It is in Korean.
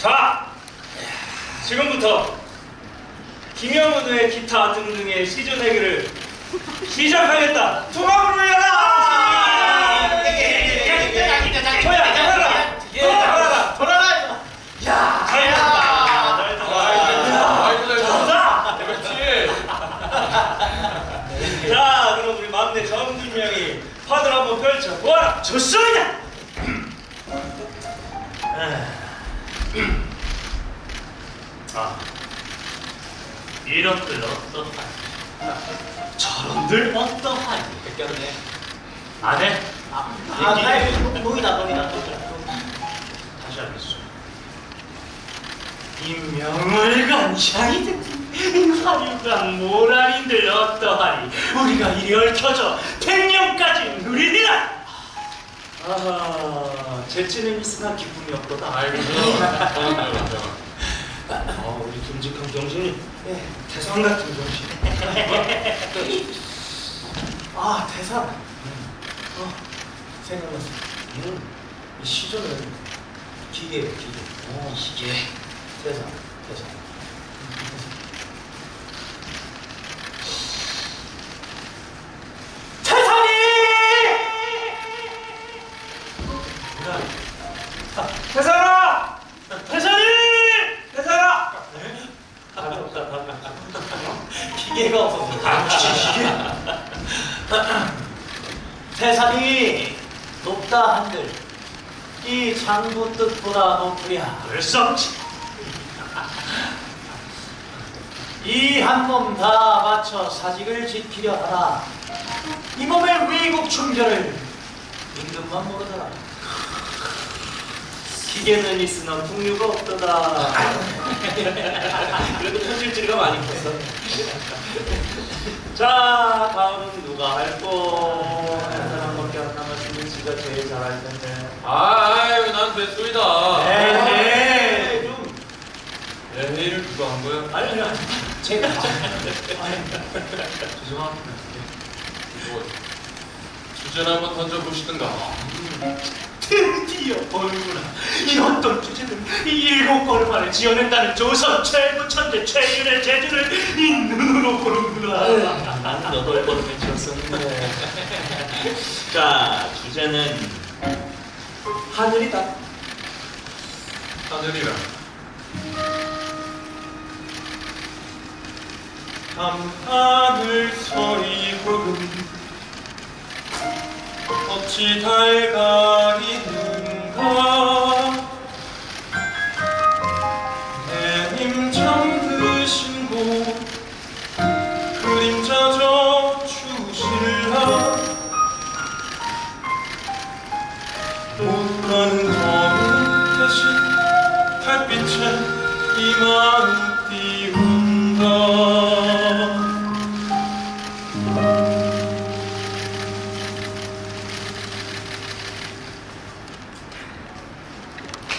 자, 지금부터 김영우의 기타 등등의 시즌 회기를 시작하겠다. 통합을 위하라! 돌아라! 야! 자, 그럼 우리 막내 정준명이 판을 한번 펼쳐 보아라. 좋습니다. 이런들 어떠하니? 저런들 어떠하니? 뺏겼네. 안 해? 노이다. 다시 하겠소. 임명을간 향이든 화류간 모랄인들 어떠하니? 우리가 이리 얽혀져 100년까지 누리리라. 재치는 있으나 기쁨이 없도다. 아이고, 우리 듬직한 경신이 태산 같은 경신. 대상. 생각났어. 이 시조는 기계예요, 기계. 기계. 대상. 태산이! 태산아! 태산아! 기계가 없어서. 태산이 높다 한들 이 장부 뜻보다 높으랴. 벌썩지. 이 한 몸 다 맞춰 사직을 지키려 하나 이 몸의 위국 충전을 임금만 모르더라. 기계는 있으나 풍류가 없도다. 그래도 손질질이가 많이 컸어. 자, 다음은 누가 할꼬? 한 사람밖에 안 남았으니 지가 제일 잘할 텐데. 아유, 난 뱃소이다. 에헤이. 좀 회의를 누가 한 거야? 아니 제가 죄송합니다. 이거 주제를 한번 던져보시든가. 드디어 보는구나. 이 어떤 주제는 이 7걸음 안에 지어낸다는 조선 최고 천재 최윤의 재주를 이 눈으로 보는구나. 나는 8걸음에 지었었는데. 자, 주제는 하늘이다. 하늘이라. 밤하늘 서리 구름 어찌 달가리는가. 내님 잠드신 곳 그림자져 주실라. 못가는 검은 대신 달빛에 이 마음